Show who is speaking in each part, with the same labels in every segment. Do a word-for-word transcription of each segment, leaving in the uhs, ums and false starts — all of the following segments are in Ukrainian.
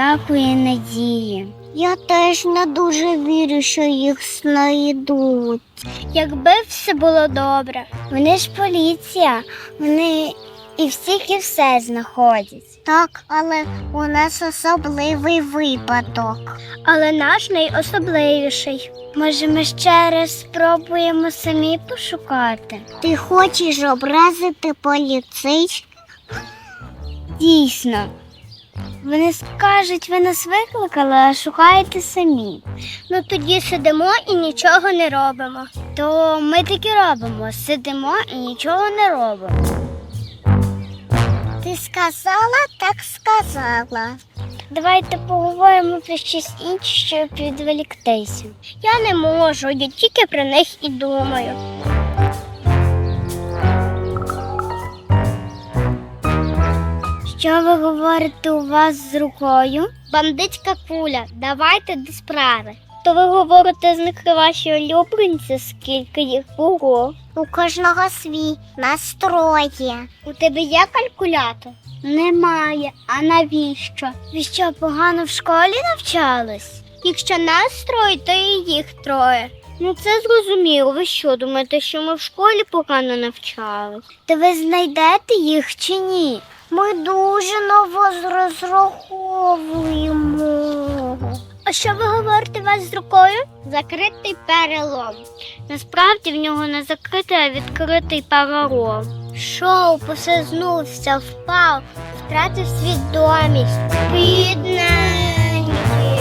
Speaker 1: ніякої надії. Я теж не дуже вірю, що їх знайдуть. Якби все було добре. Вони ж поліція, вони і всіх і все знаходять. Так, але у нас особливий випадок. Але наш найособливіший. Може, ми ще раз спробуємо самі пошукати? Ти хочеш образити поліцейських? Дійсно. Вони скажуть, ви нас викликали, а шукаєте самі. Ну тоді сидимо і нічого не робимо. То ми таки робимо. Сидимо і нічого не робимо. Ти сказала, так сказала. Давайте поговоримо про щось інше, щоб відволіктися. Я не можу, я тільки про них і думаю. Що ви говорите у вас з рукою? Бандитська куля, давайте до справи. То ви говорите, з них ваші улюбленці, скільки їх було? У кожного свій, нас троє. У тебе є калькулятор? Немає. А навіщо? Ви що, погано в школі навчались? Якщо нас троє, то і їх троє. Ну це зрозуміло. Ви що, думаєте, що ми в школі погано навчались? То ви знайдете їх чи ні? Ми дуже на вас розраховуємо. А що ви говорите у вас з рукою? Закритий перелом. Насправді в нього не закритий, а відкритий перелом. Шоу посизнувся, впав, втратив свідомість. Бідненький.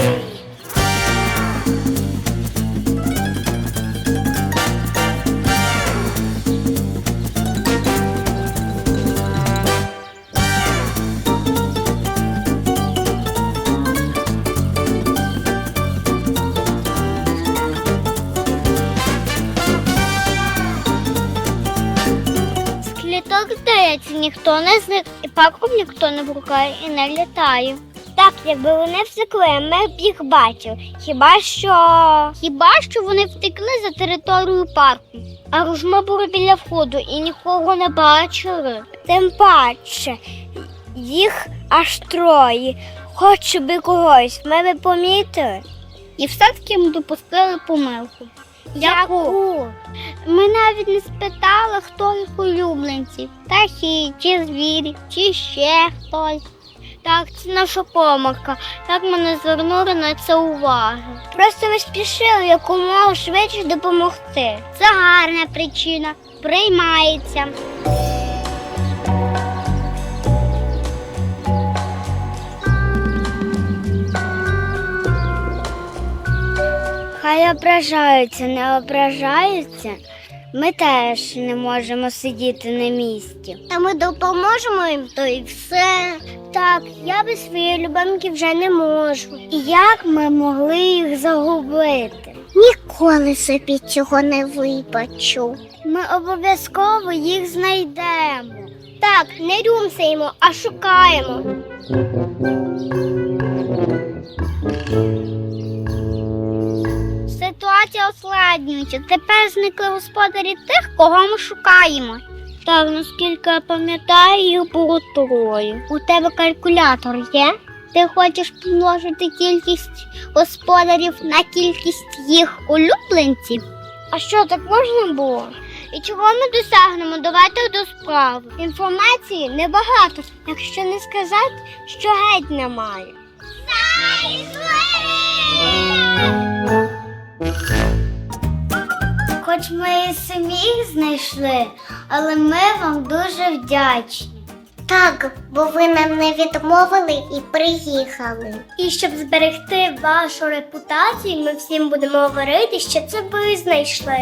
Speaker 1: Так, здається, ніхто не зник, і парком ніхто не брукає і не літає. Так, якби вони втекли, ми б їх бачили. Хіба що... Хіба що вони втекли за територію парку. А ж ми були біля входу і нікого не бачили. Тим паче, їх аж троє. Хоч би когось, ми би помітили. І все-таки ми допустили помилку. Яку? Ми навіть не спитали, хто їх улюбленці. Птахи, чи звірі, чи ще хтось. Так, це наша помилка. Так ми не звернули на це уваги. Просто ми спішили якомога швидше допомогти. Це гарна причина. Приймається. Хай ображаються, не ображаються. Ми теж не можемо сидіти на місці. Та ми допоможемо їм, то і все. Так, я без своєї любимки вже не можу. І як ми могли їх загубити? Ніколи собі цього не вибачу. Ми обов'язково їх знайдемо. Так, не рюмсаємо, а шукаємо. Ситуація ускладнюється. Тепер зникли господарі тих, кого ми шукаємо. Так, наскільки я пам'ятаю, їх було троє. У тебе калькулятор є? Ти хочеш помножити кількість господарів на кількість їх улюбленців? А що, так можна було? І чого ми досягнемо? Давайте до справи. Інформації небагато, якщо не сказати, що геть немає. Хоч ми і самі їх знайшли, але ми вам дуже вдячні. Так, бо ви нам не відмовили і приїхали. І щоб зберегти вашу репутацію, ми всім будемо говорити, що це ви знайшли.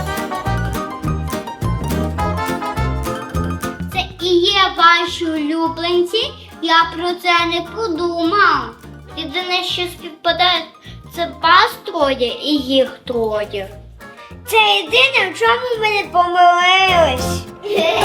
Speaker 1: Це і є ваші улюбленці, я про це не подумав. Єдине, що співпадає, це вас троє і їх троє. Це єдине, в чому ми не помилились.